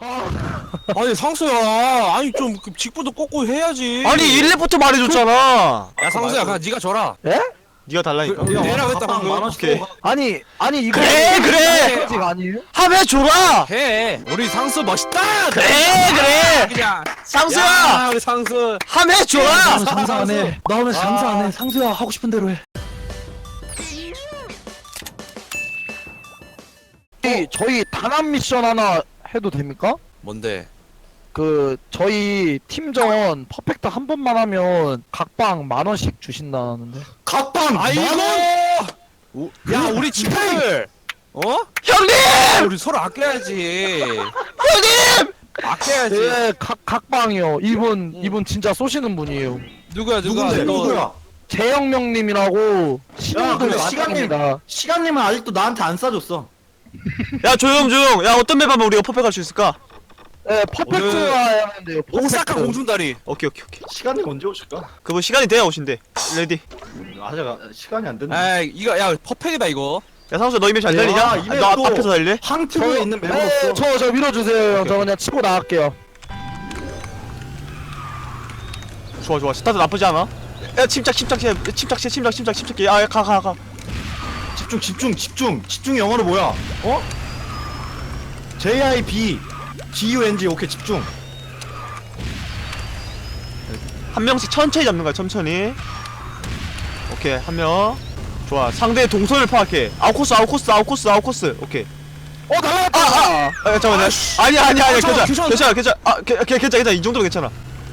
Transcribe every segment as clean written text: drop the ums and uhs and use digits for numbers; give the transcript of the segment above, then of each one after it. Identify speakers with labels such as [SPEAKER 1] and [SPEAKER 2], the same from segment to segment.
[SPEAKER 1] 아니 상수야, 아니 좀 직부도 꽂고 해야지.
[SPEAKER 2] 아니 1렙부터 말해줬잖아.
[SPEAKER 1] 야 상수야, 그냥 네가 줘라.
[SPEAKER 3] 에?
[SPEAKER 2] 네가 달라니까.
[SPEAKER 1] 내라고 했다 방금.
[SPEAKER 2] 오케이.
[SPEAKER 3] 아니 이거
[SPEAKER 2] 그래!
[SPEAKER 3] 아직 아니에요?
[SPEAKER 2] 하면 줘라.
[SPEAKER 1] 해. 우리 상수 멋있다.
[SPEAKER 2] 그래.
[SPEAKER 1] 그냥.
[SPEAKER 2] 상수야.
[SPEAKER 1] 야, 우리 상수.
[SPEAKER 2] 하면 줘라.
[SPEAKER 3] 장사 안 해. 나 오늘 장사 안 해. 상수야 하고 싶은 대로 해. 저희 단합 미션 하나 해도 됩니까?
[SPEAKER 1] 뭔데?
[SPEAKER 3] 저희 팀전 퍼펙트 한 번만 하면 각방 10,000원씩 주신다는데.
[SPEAKER 4] 각방
[SPEAKER 1] 아이고.
[SPEAKER 4] 만원?
[SPEAKER 1] 야, 우리 친구들. 어?
[SPEAKER 2] 형님.
[SPEAKER 1] 우리 서로 아껴야지.
[SPEAKER 2] 형님.
[SPEAKER 1] 아껴야지.
[SPEAKER 3] 네, 각방이요. 이분 진짜 쏘시는 분이에요.
[SPEAKER 1] 누구야?
[SPEAKER 4] 누군데?
[SPEAKER 1] 너-
[SPEAKER 4] 누구야?
[SPEAKER 3] 재영명님이라고 신호들
[SPEAKER 4] 근데
[SPEAKER 3] 시간입니다.
[SPEAKER 4] 시간님은 아직도 나한테 안 싸줬어.
[SPEAKER 2] 야 조용. 야 어떤 맵 하면 우리가 퍼펙할 수 있을까?
[SPEAKER 3] 네, 퍼펙트
[SPEAKER 1] 오늘
[SPEAKER 3] 하면 돼요.
[SPEAKER 1] 오사카
[SPEAKER 3] 퍼펙트.
[SPEAKER 1] 공중다리.
[SPEAKER 2] 오케이.
[SPEAKER 4] 시간님 언제 오실까?
[SPEAKER 2] 그분 시간이 돼야 오신대. 레디.
[SPEAKER 4] 아직 시간이 안 됐네.
[SPEAKER 1] 아, 이거 야 퍼펙이다 이거.
[SPEAKER 2] 야 상수 너 이맵 잘 달리냐?
[SPEAKER 4] 야, 이 맵
[SPEAKER 2] 너
[SPEAKER 4] 또-
[SPEAKER 2] 앞에서 달래?
[SPEAKER 4] 항트에 있는
[SPEAKER 3] 네,
[SPEAKER 4] 멤버로서
[SPEAKER 3] 저 밀어주세요. 형. 저 그냥 치고 나갈게요.
[SPEAKER 2] 좋아. 스타트 나쁘지 않아. 야 침착. 야 가.
[SPEAKER 4] 집중 영어로 뭐야? 어? JIB GUNG 오케이 집중.
[SPEAKER 2] 한 명씩 천천히 잡는 거야. 천천히. 오케이 한 명. 좋아. 상대의 동선을 파악해. 아웃코스. 오케이.
[SPEAKER 3] 날라갔다.
[SPEAKER 2] 잠깐만.
[SPEAKER 1] 아이씨.
[SPEAKER 2] 아니야.
[SPEAKER 1] 잠깐만,
[SPEAKER 2] 괜찮아. 괜찮아. 이 정도로 괜찮아.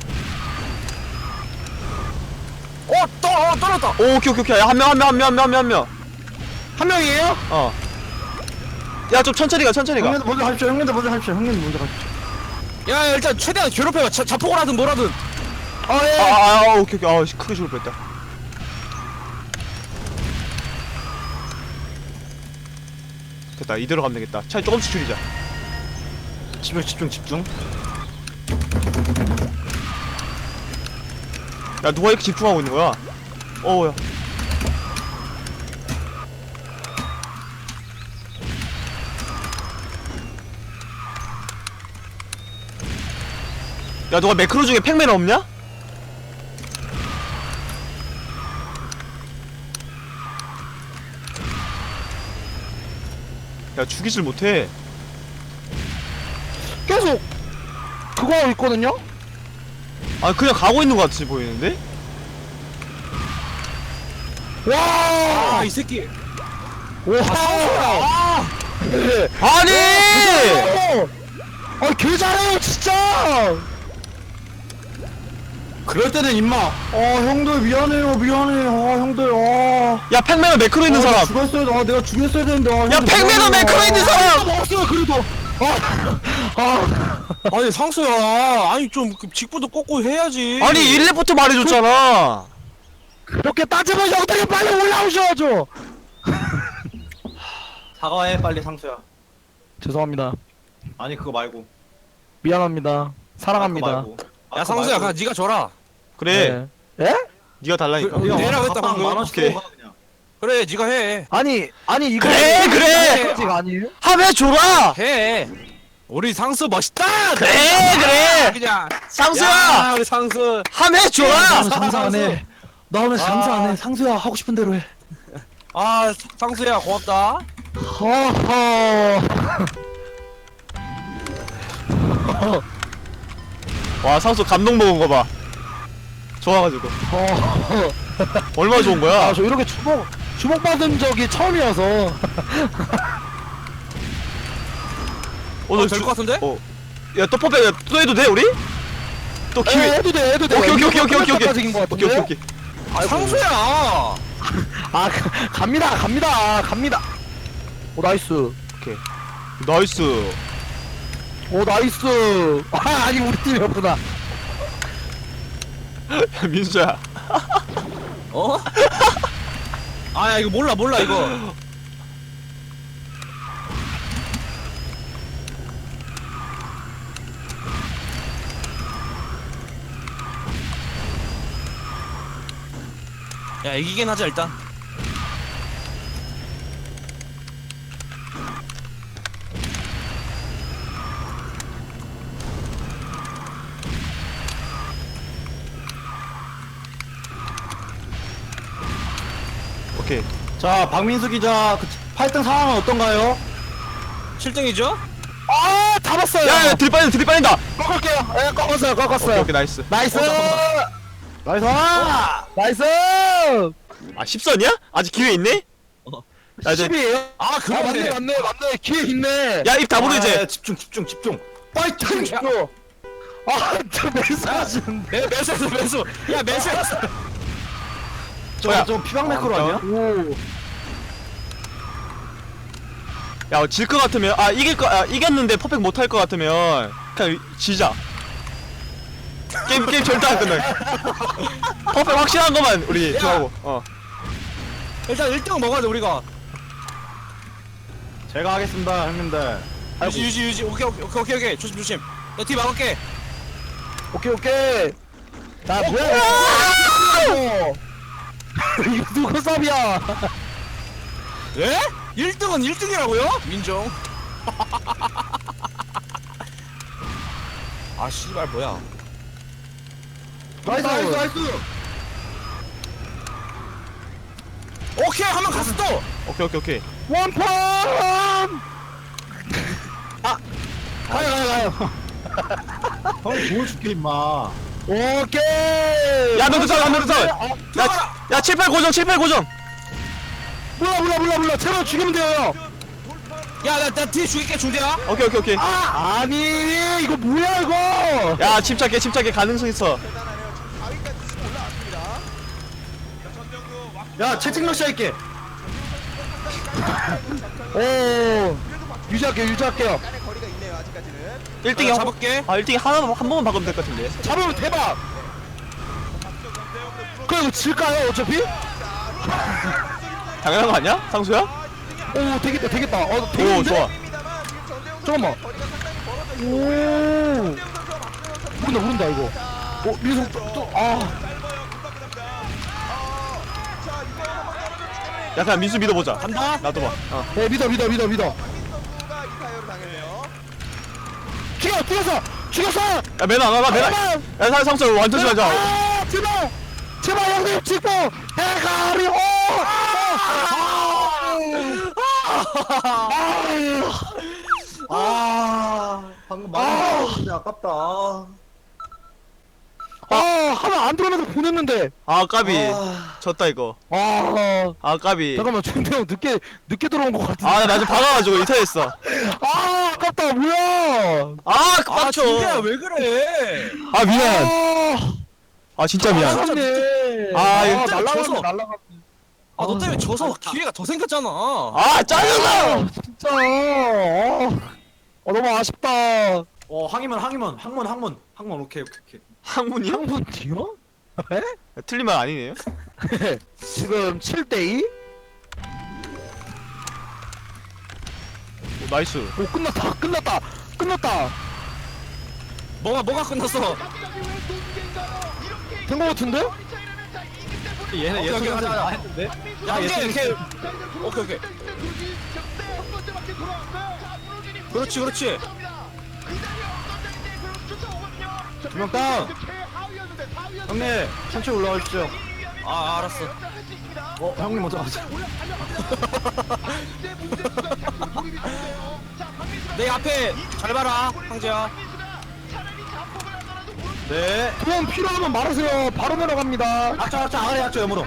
[SPEAKER 1] 떨어졌다.
[SPEAKER 2] 오케이. 야, 한 명.
[SPEAKER 3] 한 명이에요?
[SPEAKER 2] 어. 야, 좀 천천히 가.
[SPEAKER 4] 형님들 먼저 하십시오. 형님들 먼저 가십시오.
[SPEAKER 1] 야, 일단 최대한 괴롭혀봐. 자폭을 하든 뭐라든.
[SPEAKER 3] 예.
[SPEAKER 2] 오케이. 크게 죽을 뻔했다. 됐다. 이대로 가면 되겠다. 차라리 조금씩 줄이자.
[SPEAKER 4] 집중.
[SPEAKER 2] 야, 누가 이렇게 집중하고 있는 거야? 야. 야, 너가 매크로 중에 팩맨 없냐? 야, 죽이질 못해.
[SPEAKER 3] 계속 그거 하고 있거든요?
[SPEAKER 2] 아, 그냥 가고 있는 것 같이 보이는데?
[SPEAKER 3] 와!
[SPEAKER 1] 아, 이 새끼.
[SPEAKER 3] 와! 아! 네.
[SPEAKER 2] 아니!
[SPEAKER 3] 개 잘해요, 진짜!
[SPEAKER 4] 그럴 때는 임마. 형들 미안해요. 형들.
[SPEAKER 2] 야, 팩맨은 매크로 있는 사람!
[SPEAKER 4] 죽었어야 내가 죽였어야 되는데.
[SPEAKER 2] 야, 팩맨은 매크로 있는 사람!
[SPEAKER 3] 없어요, 그래도!
[SPEAKER 1] 아니 상수야, 아니 좀 직부도 꽂고 해야지.
[SPEAKER 2] 아니, 1렙부터 말해줬잖아!
[SPEAKER 3] 그렇게 따지면 형들이 빨리 올라오셔야죠!
[SPEAKER 4] 사과해 빨리 상수야.
[SPEAKER 3] 죄송합니다.
[SPEAKER 4] 아니 그거 말고.
[SPEAKER 3] 미안합니다. 사랑합니다.
[SPEAKER 1] 야 상수야, 그냥 네가 줘라.
[SPEAKER 2] 그래,
[SPEAKER 3] 네. 예?
[SPEAKER 2] 네가 달라니까.
[SPEAKER 1] 내라고 했다 방금.
[SPEAKER 2] 오케이.
[SPEAKER 1] 그래, 네가 해.
[SPEAKER 3] 아니 이거
[SPEAKER 2] 그래!
[SPEAKER 3] 아직 아니에요?
[SPEAKER 2] 하면 줘라!
[SPEAKER 1] 해. 우리 상수 멋있다.
[SPEAKER 2] 그래!
[SPEAKER 1] 그냥.
[SPEAKER 2] 상수야!
[SPEAKER 1] 야, 우리 상수.
[SPEAKER 2] 하면 줘라!
[SPEAKER 3] 장사 안 해. 나 오늘 장사 안 해. 상수야 하고 싶은 대로 해.
[SPEAKER 1] 아, 상수야 고맙다.
[SPEAKER 3] 허허.
[SPEAKER 2] 와, 상수 감동 먹은 거 봐. 좋아가지고.
[SPEAKER 3] 허허.
[SPEAKER 2] 얼마나 좋은 거야?
[SPEAKER 3] 저 이렇게 주목 받은 적이 처음이어서.
[SPEAKER 2] 오늘
[SPEAKER 1] 될것 같은데?
[SPEAKER 2] 야, 또 퍼펙, 또 해도 돼, 우리? 또 기회.
[SPEAKER 3] 해도 돼.
[SPEAKER 2] 오케이.
[SPEAKER 3] 인것 같은데?
[SPEAKER 2] 오케이.
[SPEAKER 1] 상수야.
[SPEAKER 3] 아, 갑니다. 오, 나이스.
[SPEAKER 2] 나이스.
[SPEAKER 3] 오, 나이스. 아니, 우리 팀이었구나.
[SPEAKER 2] 야, 민수야.
[SPEAKER 1] 어? 아, 야, 이거 몰라 이거. 야, 이기긴 하자 일단.
[SPEAKER 2] 오케이.
[SPEAKER 4] 자 박민수 기자 8등 상황은 어떤가요?
[SPEAKER 1] 7등이죠?
[SPEAKER 3] 아 잡았어요.
[SPEAKER 2] 야, 들이 빠진다.
[SPEAKER 3] 꺾을게요. 예, 꺾었어요.
[SPEAKER 2] 오케이,
[SPEAKER 3] 꺾었어요.
[SPEAKER 2] 오케이, 나이스.
[SPEAKER 3] 나이스.
[SPEAKER 4] 나이스.
[SPEAKER 3] 나이스.
[SPEAKER 2] 아, 10선이야? 아직 기회 있네? 야, 이제,
[SPEAKER 3] 10이에요?
[SPEAKER 1] 아, 그러네.
[SPEAKER 3] 맞네. 기회 있네.
[SPEAKER 2] 야, 입 다물어, 이제.
[SPEAKER 4] 아, 집중.
[SPEAKER 3] 파이팅. 아, 저 매수하시는데.
[SPEAKER 1] 매수. 야, 매수했어.
[SPEAKER 2] 뭐야?
[SPEAKER 4] 저 피방 매크로 아니야?
[SPEAKER 3] 오.
[SPEAKER 2] 야, 질 것 같으면, 이겼는데 퍼펙트 못할 것 같으면, 그냥 지자. 게임 절대 안 끝나. 퍼펙트 확실한 것만 우리
[SPEAKER 1] 야.
[SPEAKER 2] 정하고,
[SPEAKER 1] 일단 1등 먹어야 돼, 우리가.
[SPEAKER 4] 제가 하겠습니다 형님들.
[SPEAKER 1] 유지. 오케이. 조심. 너 뒤 막을게.
[SPEAKER 3] 오케이. 나 뭐야? 이거 누구 쌉이야?
[SPEAKER 1] 예? 1등은 1등이라고요? 민정. 아, 씨발, 뭐야.
[SPEAKER 4] 나이스.
[SPEAKER 1] 오케이, 한 번 갔어, 또!
[SPEAKER 2] 오케이.
[SPEAKER 3] 원펀! 가요.
[SPEAKER 4] 형 보여줄게 임마.
[SPEAKER 3] 오케이.
[SPEAKER 2] 야, 너도 차. 야, 7, 8 고정.
[SPEAKER 3] 몰라. 제발 죽이면 돼요.
[SPEAKER 1] 야, 나 뒤에 죽일게, 중대야.
[SPEAKER 2] 오케이.
[SPEAKER 3] 아, 아니 이거 뭐야 이거?
[SPEAKER 2] 야, 침착해. 가능성 있어.
[SPEAKER 4] 야 채팅 러시 할게.
[SPEAKER 3] 오. 유지할게요.
[SPEAKER 2] 1등이
[SPEAKER 1] 나 잡을게.
[SPEAKER 2] 1등이 한 번만 박으면 될 것 같은데.
[SPEAKER 3] 잡으면 대박. 그래 이거 질까요 어차피?
[SPEAKER 2] 당연한 거 아니야? 상수야?
[SPEAKER 3] 오 되겠다.
[SPEAKER 2] 오,
[SPEAKER 3] 되겠는데?
[SPEAKER 2] 좋아.
[SPEAKER 3] 잠깐만. 오. 모른다 이거. 민성
[SPEAKER 2] 야, 그냥 민수 믿어보자.
[SPEAKER 1] 간다.
[SPEAKER 2] 나도 봐.
[SPEAKER 3] 네 믿어. 죽였어.
[SPEAKER 2] 야, 매너 안 와봐, 야, 상수 완전 심하자.
[SPEAKER 3] 아, 제발 형님 직보 대가리 오.
[SPEAKER 4] 방금 말했는데 아깝다.
[SPEAKER 3] 하나 안 들어오면서 보냈는데.
[SPEAKER 2] 아, 까비. 졌다, 이거. 아, 까비.
[SPEAKER 3] 잠깐만 준태 형 늦게 들어온 것 같은데.
[SPEAKER 2] 나 지금 박아가지고 이탈했어.
[SPEAKER 3] 아깝다 뭐야.
[SPEAKER 2] 아,
[SPEAKER 1] 아,
[SPEAKER 2] 빡쳐.
[SPEAKER 1] 중대야, 왜 그래?
[SPEAKER 2] 아, 미안. 아, 진짜 미안.
[SPEAKER 3] 날라갔네.
[SPEAKER 2] 아, 이거
[SPEAKER 1] 졌어.
[SPEAKER 3] 날라갔네.
[SPEAKER 1] 아, 너 때문에 져서 기회가 더 생겼잖아.
[SPEAKER 2] 아, 짜증나!
[SPEAKER 3] 진짜. 너무 아쉽다.
[SPEAKER 4] 항문 오케이.
[SPEAKER 2] 항문이요?
[SPEAKER 3] 형분 뒤요?
[SPEAKER 2] 틀린 말 아니네요?
[SPEAKER 3] 지금 7대2?
[SPEAKER 2] 오, 나이스.
[SPEAKER 3] 오 끝났다.
[SPEAKER 1] 뭐가 끝났어?
[SPEAKER 3] 된 거 같은데?
[SPEAKER 4] 얘네
[SPEAKER 1] 오케이,
[SPEAKER 4] 예술가들
[SPEAKER 1] 가자.
[SPEAKER 4] 다 했는데.
[SPEAKER 1] 야, 이렇게. 오케이. 그렇지.
[SPEAKER 4] 두명 다운. 형님 천천히 올라와 주십시오.
[SPEAKER 1] 아, 알았어.
[SPEAKER 4] 형님 먼저 가자.
[SPEAKER 1] 내 앞에 잘 봐라, 황제야.
[SPEAKER 4] 네.
[SPEAKER 3] 도움 필요하면 말하세요. 바로 내려갑니다.
[SPEAKER 4] 악자 아래 악자 여물어.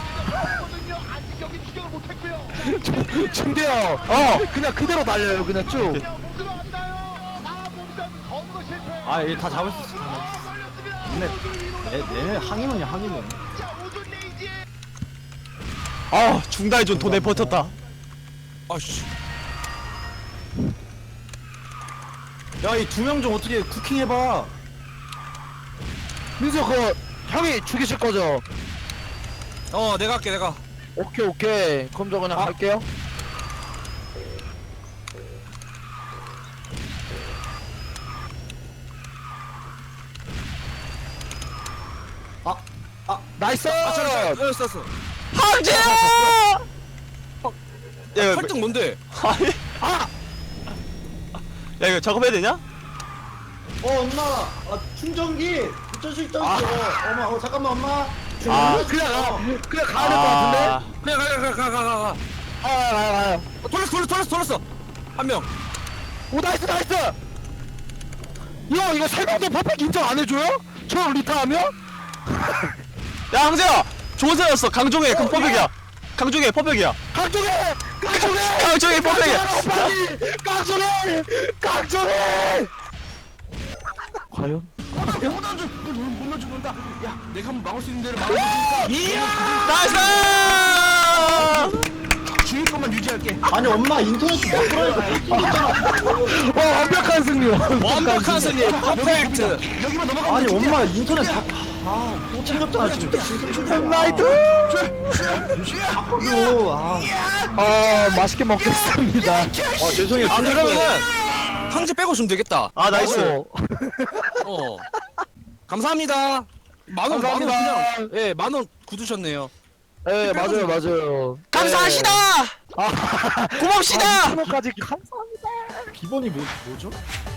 [SPEAKER 3] 준대요. 그냥 그대로 날려요. 그냥 쭉.
[SPEAKER 4] 얘 다 잡을 수 있어. 근데 얘네 항이문이야 항이문.
[SPEAKER 2] 아, 중다이존 돈에 버텼다.
[SPEAKER 1] 아씨.
[SPEAKER 4] 야 이 두 명 좀 어떻게 쿠킹 해봐.
[SPEAKER 3] 민수 그거 형이 죽이실 거죠?
[SPEAKER 1] 내가 할게, 내가.
[SPEAKER 3] 오케이. 그럼 저 그냥 갈게요. 나이스!
[SPEAKER 1] 잘했어.
[SPEAKER 2] 황제야! 야, 이거,
[SPEAKER 1] 8등 뭔데?
[SPEAKER 2] 아니. 야, 이거 작업해야 되냐?
[SPEAKER 4] 엄마 충전기 붙일 수 있다고. 엄마 잠깐만 엄마
[SPEAKER 2] 아.
[SPEAKER 3] 그냥 가야 될 것 같은데?
[SPEAKER 1] 그냥 가.
[SPEAKER 3] 가요.
[SPEAKER 1] 돌렸어. 한 명.
[SPEAKER 3] 오, 나이스! 형, 이거 설명도 퍼펙 인정 안 해줘요? 저 리타하면?
[SPEAKER 2] 야 황재야 좋은 생각이었어. 강종해 그 퍼펙이야. 강종해 퍼펙이야.
[SPEAKER 3] 강종해!
[SPEAKER 2] 강종해 퍼펙이야.
[SPEAKER 3] 강종해! 과연?
[SPEAKER 1] 못 넣어준다. 야, 내가 한번 막을 수 있는 데를 막아주니까. 이야!
[SPEAKER 2] 나이스.
[SPEAKER 1] 주인 것만 유지할게.
[SPEAKER 4] 아니 엄마 인터넷 못 들어니까 뺏기겠잖아.
[SPEAKER 3] 완벽한 승리!
[SPEAKER 1] 완벽한 승리. 퍼펙트. 여기만 넘어가면
[SPEAKER 4] 아니
[SPEAKER 1] 돼.
[SPEAKER 4] 엄마 인터넷 아또 챙겼잖아 지금.
[SPEAKER 3] 나이트!
[SPEAKER 4] 이거
[SPEAKER 3] 맛있게 먹겠습니다.
[SPEAKER 4] 죄송해요.
[SPEAKER 1] 아, 그러면은 황제 빼고 주면 되겠다.
[SPEAKER 2] 아 나이스.
[SPEAKER 1] 어. 감사합니다. 만원
[SPEAKER 3] 감사합니다.
[SPEAKER 1] 그냥 예, 만원 굳으셨네요.
[SPEAKER 3] 네, 맞아요.
[SPEAKER 2] 감사하시다. 고맙시다.
[SPEAKER 3] 까지 감사합니다.
[SPEAKER 4] 기본이 뭐죠?